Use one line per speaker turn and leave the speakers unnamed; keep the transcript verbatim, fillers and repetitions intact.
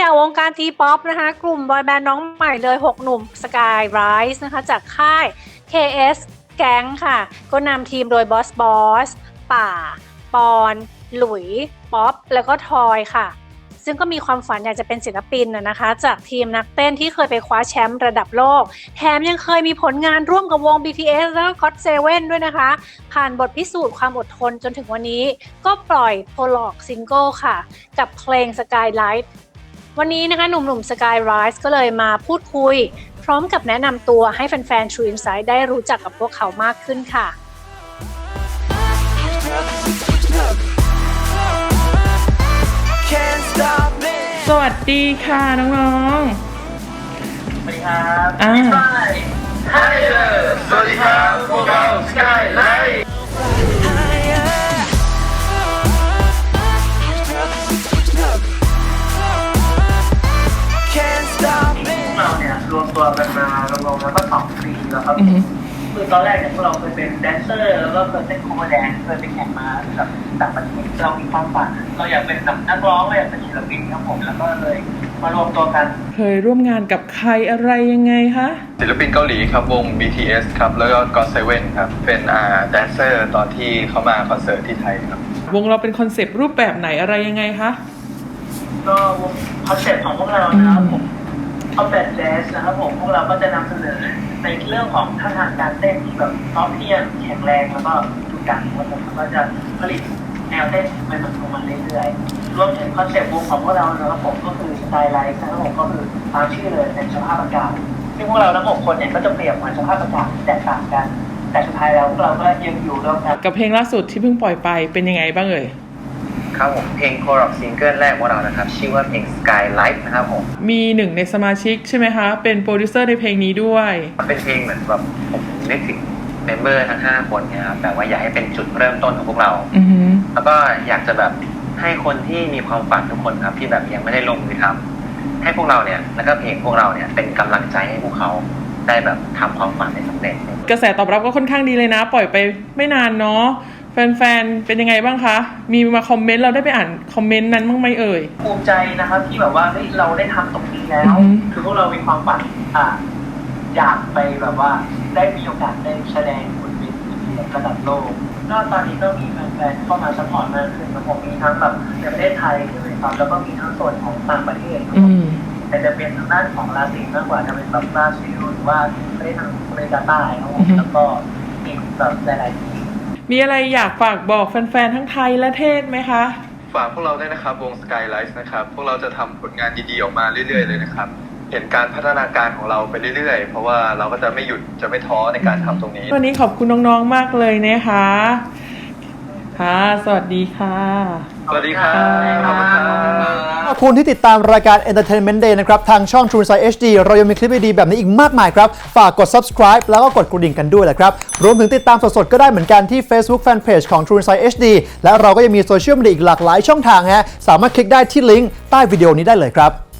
อ่ะวงการทีป๊อปนะคะกลุ่มบอยแบนด์น้องใหม่เลยหกหนุ่ม Sky Rise นะคะจากค่าย เค เอส Gang ค่ะก็นำทีมโดยบอสบอสป่าปอนหลุยป๊อปแล้วก็ทอยค่ะซึ่งก็มีความฝันอยากจะเป็นศิลปินนะคะจากทีมนักเต้นที่เคยไปคว้าแชมป์ระดับโลกแถมยังเคยมีผลงานร่วมกับวง บี ที เอส แล้วก็ ก็อต เซเว่น ด้วยนะคะผ่านบทพิสูจน์ความอดทนจนถึงวันนี้ก็ปล่อยโพลอกซิงเกิลค่ะกับเพลง Skylight วันนี้นะคะหนุ่มๆ Sky Rise ก็เลยมาพูดคุยพร้อมกับแนะนำตัวให้แฟนๆ True Insight ได้รู้จักกับพวกเขามากขึ้นค่ะ
สวัสดีค่ะน้องๆ
สวัสดีครับ
อ่า
ไฮเดอร์สวัสดีครับพวกเรา Skylight เราเนี่ยรวมตัวกันมารวมๆแล้วก็สองปีแล้วครับคือตอนแรกเนี่ยพวกเราเคยเป็นแดนเซอร์แล้วก็เคยเต้นโคเวอร์แดนซ์เคยไปแข่งมาแบบต่างประเทศเรามีความฝันเราอยากเป็นแบบนักร้องเราอยากเป็นศิลปินครับผมแล้วก็เลยมารวมตัวกัน
เคยร่วมงานกับใครอะไรยังไงคะ
ศิลปินเกาหลีครับวง บี ที เอส ครับแล้วก็ ก็อต เซเว่น ครับเป็นอ่าแดนเซอร์ตอนที่เขามาคอนเสิร์ตที่ไทยครับ
วงเราเป็นคอนเซปต์รูปแบบไหนอะไรยังไงคะ
ก็วงคอนเซ็ปต์ของพวกเรานะครับผมเอาแบบแจ๊สนะครับผมพวกเราก็จะนำเสนอในเรื่องของท่าทางการเต้นที่แบบพร้อมเพรียงแข็งแรงแล้วก็ดุดันครับผมก็จะผลิตแนวเต้นใหม่ๆของมันเรื่อยๆรวมถึงคอนเซ็ปต์วงของพวกเรานะครับผมก็คือสไตล์ไลฟ์นะครับผมก็คือตามชื่อเลยเป็นสภาพอากาศซึ่งพวกเราทั้งหกคนเนี่ยก็จะเปรียบเหมือนสภาพอากาศที่แตกต่างกันแต่สุดท้ายแล้วพวกเราก็ยังอยู่ร่วมกัน
กับเพลงล่าสุดที่เพิ่งปล่อยไปเป็นยังไงบ้างเอ่ย
ครับผมเพลงโคร็อกซิงเกิลแรกของเรานะครับชื่อว่าเพลง Skylight นะครับผม
มีหนึ่งในสมาชิกใช่ไหมคะเป็นโปรดิวเซอร์ในเพลงนี้ด้วย
เป็นเพลงเหมือนแบบผมนึกถึงเมมเบอร์ทั้งห้าคนเนี่ยครับแบบว่าอยากให้เป็นจุดเริ่มต้นของพวกเราแล้วก็อยากจะแบบให้คนที่มีความฝันทุกคนครับที่แบบยังไม่ได้ลงมือทำให้พวกเราเนี่ยแล้วก็เพลงพวกเราเนี่ยเป็นกำลังใจให้พวกเขาได้แบบทำความฝันให้สำเร็จ
กระแสตอบรับก็ค่อนข้างดีเลยนะปล่อยไปไม่นานเนาะแฟนๆเป็นยังไงบ้างคะมีมาคอมเมนต์เราได้ไปอ่านคอมเมนต์นั้นบ้างไหมเอ่ย
ภูมิใจนะครับที่แบบว่าเฮ้ยเราได้ทำตรงนี้แล้วคือพวกเรามีความฝันอ่าอยากไปแบบว่าได้มีโอกาสได้แสดงบนเวทีระดับโลกก็ตอนนี้ก็มีแฟนๆเข้ามาซัพพอร์ตมากขึ้นนะผมมีทั้งแบบในประเทศไทยด้วยครับแล้วก็มีทั้งส่วนของต่างประเทศแต่จะเป็นทางด้านของลาตินมากกว่าจะเป็นแบบบราซิลหรือว่าประเทศทางอเมริกาใต้ครับผมแล้วก็อีกแบบหลายๆที่
มีอะไรอยากฝากบอกแฟนๆทั้งไทยและเทศไหมคะ
ฝากพวกเราด้วยนะครับวง Skylight นะครับพวกเราจะทำผลงานดีๆออกมาเรื่อยๆเลยนะครับเห็นการพัฒนาการของเราไปเรื่อยๆเพราะว่าเราก็จะไม่หยุดจะไม่ท้อในการทำตรงนี้
วันนี้ขอบคุณน้องๆมากเลยนะคะค่ะสวัสดีค่ะ
สวัสดีครับขอบคุณครับ
ขอบคุณที่ติดตามรายการ Entertainment Day นะครับทางช่อง True Insight เอช ดี เรายังมีคลิปดีๆแบบนี้อีกมากมายครับฝากกด Subscribe แล้วก็กดกระดิ่งกันด้วยแหละครับรวมถึงติดตามสดๆก็ได้เหมือนกันที่ Facebook Fanpage ของ True Insight เอช ดี และเราก็ยังมีโซเชียลมีเดียอีกหลากหลายช่องทางฮะสามารถคลิกได้ที่ลิงก์ใต้วิดีโอนี้ได้เลยครับ